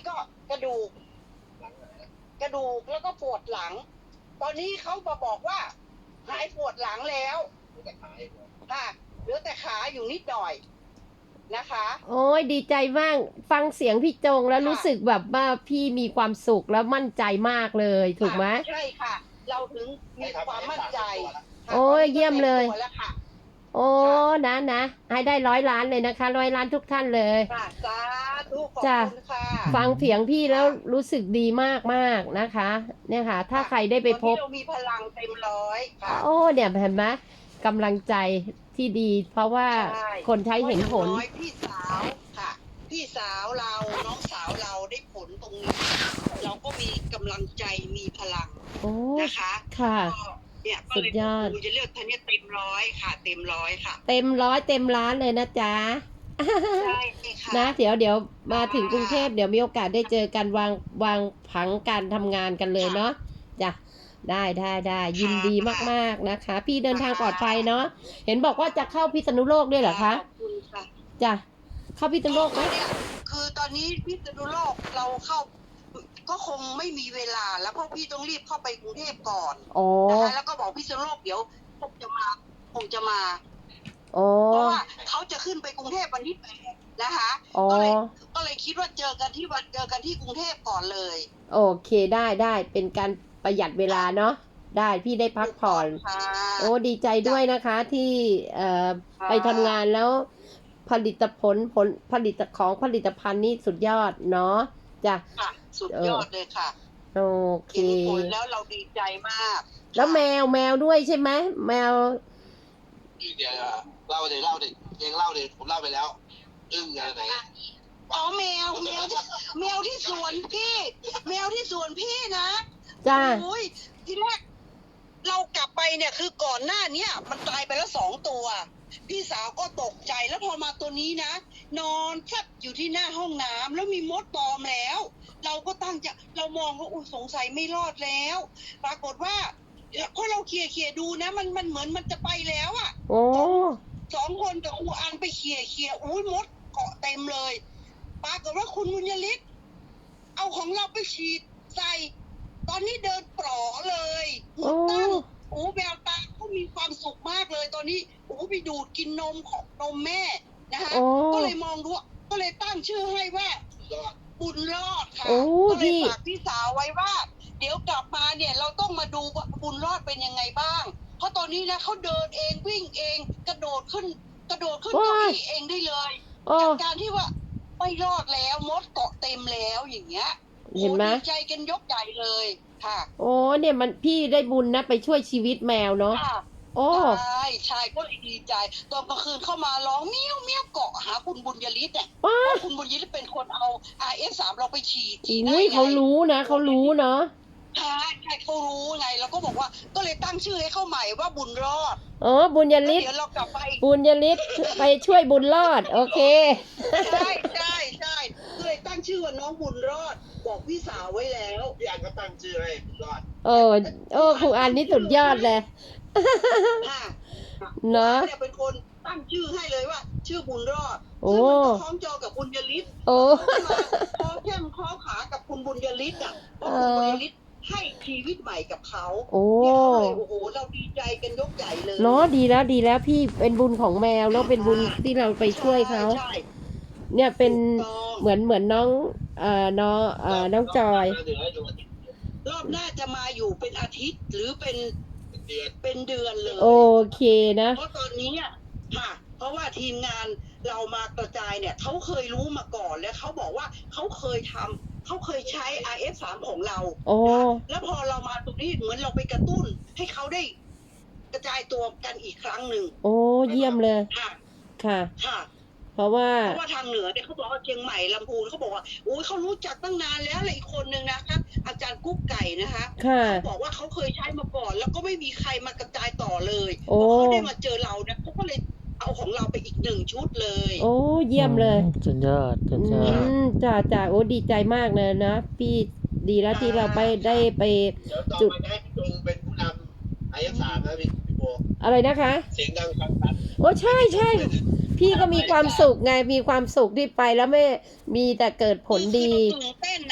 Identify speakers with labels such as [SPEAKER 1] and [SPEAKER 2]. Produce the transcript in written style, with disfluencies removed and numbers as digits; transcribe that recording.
[SPEAKER 1] ก็กระดูกแล้วก็ปวดหลังตอนนี้เขามาบอกว่าหายปวดหลังแล้วค่ะเหลือแต่ขาอยู่นิดหน่อยนะคะ
[SPEAKER 2] โอ้ยดีใจมากฟังเสียงพี่จงแล้วรู้สึกแบบว่าพี่มีความสุขแล้วมั่นใจมากเลยถูกไหม
[SPEAKER 1] ใช่ค่ะเราถึงมีความมั่นใจ
[SPEAKER 2] โอ้ยเยี่ยมเลย
[SPEAKER 1] แล้วค่ะ
[SPEAKER 2] โอ้นะให้ได้100 ล้านเลยนะคะ100 ล้านทุกท่านเลย
[SPEAKER 1] สาธุขอบคุณค่ะ
[SPEAKER 2] ฟังเสียงพี่แล้วรู้สึกดีมากนะคะ เนี่ยค่ะ ถ้าใครได้ไปพบ
[SPEAKER 1] เรามีพลังเต็มร้อยค่ะ
[SPEAKER 2] โอ้เนี่ยเห็นไหมกำลังใจที่ดี เพราะว่าคนใช้เห็นผล
[SPEAKER 1] พี่สาวค่ะพี่สาวเราน้องสาวเราได้ผลตรงนี้เราก็มีกำลังใจมีพลังนะคะ
[SPEAKER 2] ค่ะ
[SPEAKER 1] เนี่ยสุดยอดจะเลือกท่านนี้เต็มร้อยค่ะเต็มร้อยค่ะ
[SPEAKER 2] เต็มร้อยเต็มล้านเลยนะจ๊ะ
[SPEAKER 1] ใช่ค่ะ
[SPEAKER 2] นะเดี๋ยวมาถึงกรุงเทพเดี๋ยวมีโอกาสได้เจอกันวางผังการทำงานกันเลยเนาะจ้ะได้ยินดีมากๆนะคะ พี่เดินทางปลอดภัยเนาะเห็นบอกว่าจะเข้าพิษณุโลกด้วยเหรอคะ
[SPEAKER 1] ขอบคุณค่ะ
[SPEAKER 2] จ้ะเข้าพิษณุโลกไหม
[SPEAKER 1] คือตอนนี้พิษณุโลกเราเข้าก็คงไม่มีเวลาแล้วเพราะพี่ต้องรีบเข้าไปกรุงเทพก่อนนะคะแล้วก็บอกพิษณุโลกเดี๋ยวคงจะมาเพราะว่าเขาจะขึ้นไปกรุงเทพวันที่8นะคะก็เลยคิดว่าเจอกันที่กรุงเทพก่อนเลย
[SPEAKER 2] โอเคได้เป็นการประหยัดเวลาเนาะได้พี่ได้พักผ่อนโอ้ดีใจด้วยนะคะที่ไปทำงานแล้วผลิตผลิตภัณฑ์นี่สุดยอดเนาะจ้ะ
[SPEAKER 1] สุดยอดเลยค่ะ
[SPEAKER 2] โอเค
[SPEAKER 1] ผลแล้วเราดีใจมาก
[SPEAKER 2] แล้วแมวด้วยใช่ไหมแมว
[SPEAKER 3] เดี๋ยวเล่าเองเล่าดิผมเล่าไปแล้วอะไรไหน
[SPEAKER 1] อ๋อแมวที่สวนพี่นะ
[SPEAKER 2] จ้า
[SPEAKER 1] โอ้ยทีแรกเรากลับไปเนี่ยคือก่อนหน้านี้มันตายไปแล้ว2 ตัวพี่สาวก็ตกใจแล้วพอมาตัวนี้นะนอนแทบอยู่ที่หน้าห้องน้ำแล้วมีมดตอมแล้วเราก็เรามองว่าสงสัยไม่รอดแล้วปรากฏว่าพอเราเคลียร์ดูนะมันเหมือนมันจะไปแล้วอ่ะ
[SPEAKER 2] โอ้
[SPEAKER 1] 2 คนกับครูอันไปเคลียร์มดเกาะเต็มเลยปรากฏว่าคุณบุญยฤทธิ์เอาของเราไปฉีดใส่ตอนนี้เดินปลอเลยหัวตั้งแววตาเขามีความสุขมากเลยตอนนี้ไปดูดกินนมของนมแม่นะคะก็เลยมองดูก็เลยตั้งชื่อให้ว่าบุญรอดค่ะก็เลยฝากพี่สาวไว้ว่าเดี๋ยวกลับมาเนี่ยเราต้องมาดูว่าบุญรอดเป็นยังไงบ้างเพราะตอนนี้นะเขาเดินเองวิ่งเองกระโดดขึ้นเก้าอี้เองได้เลยจากการที่ว่าไม่รอดแล้วมดเกาะเต็มแล้วอย่างเงี้ย
[SPEAKER 2] เห็นไหม
[SPEAKER 1] ดีใจกันยกใหญ่เลยค่ะ
[SPEAKER 2] โอ้เนี่ยมันพี่ได้บุญนะไปช่วยชีวิตแมวเนาะ
[SPEAKER 1] โอ้ใช่ก็เลยดีใจตอนกลางคืนเข้ามาร้องเมี้ยวเกาะหาคุณบุญยฤทธิ์เนี่ยคุณบุญยฤทธิ์เป็นคนเอา RS3 เราไปฉีด
[SPEAKER 2] เขารู้เนาะ
[SPEAKER 1] ใช่เขารู้ไงแล้วก็บอกว่าก็เลยตั้งชื่อให้เขาใหม่ว่าบุญรอด
[SPEAKER 2] บุญยฤทธิ์
[SPEAKER 1] เดี๋ยวเรากลับไป
[SPEAKER 2] บุญยฤทธิ์ไปช่วยบุญรอดโอเค
[SPEAKER 1] ใช่ก็เลยตั้งชื่อว่าน้องบุญรอดบอกพี่สาวไว้แล้ว
[SPEAKER 3] พี่อันก็ตั้งชื่อให้บุญรอด
[SPEAKER 2] ครูอันนี่สุดยอดเลยเนาะ
[SPEAKER 1] เนี่ยเป็นคนตั้งชื่อให้เลยว่าชื่อบุญรอดซึ่งมันก็คล้องจอกับบุญยฤทธิ์คอแข้งคอขากับคุณบุญยฤทธิ์อ่ะเพราะคุณบุญยฤทธิ์ให้ชีวิตใหม่กับเขาเนี่ยเขาเลยเราดีใจกันยกใหญ่เลย
[SPEAKER 2] เนาะดีแล้วพี่เป็นบุญของแมวแล้วเป็นบุญที่เราไปช่วยเขาเนี่ยเป็นเหมือนน้องจอย
[SPEAKER 1] รอบหน้าจะมาอยู่เป็นอาทิตย์หรือเป็นเดือนเลย
[SPEAKER 2] โอเคนะ
[SPEAKER 1] เพราะตอนนี้ค่ะเพราะว่าทีมงานเรามากระจายเนี่ยเขาเคยรู้มาก่อนแล้วเขาบอกว่าเขาเคยใช้ RS3 ของเราแล้วพอเรามาตรงนี้เหมือนเราไปกระตุ้นให้เขาได้กระจายตัวกันอีกครั้งหนึ่ง
[SPEAKER 2] เยี่ยมเลยค่ะเพราะว่า
[SPEAKER 1] ทางเหนือเนี่ยเขาบอกว่าเชียงใหม่ลำพูนเขาบอกว่าเขารู้จักตั้งนานแล้วเลยอีกคนนึงนะคะอาจารย์กุ๊กไก่นะคะเขาบอกว่าเขาเคยใช้มาก่อนแล้วก็ไม่มีใครมากระจายต่อเลยพอเขาได้มาเจอเราเนี่ยเขาก็เลยเอาของเราไปอีก1 ชุดเลย
[SPEAKER 2] เยี่ยมเลย
[SPEAKER 4] สุดยอด
[SPEAKER 2] จ้าดีใจมากเลยนะพี่ดีแล้วที่เราได้ไป
[SPEAKER 3] จุดจงเป็นผู้นำRS3นะพี่โบ
[SPEAKER 2] อะไรนะคะ
[SPEAKER 3] เสียงดังฟังชัด
[SPEAKER 2] ใช่พี่ก็มีความสุขไง มีความสุขที่ไปแล้วไม่มีแต่เกิดผลดี
[SPEAKER 1] ตื่นเต้น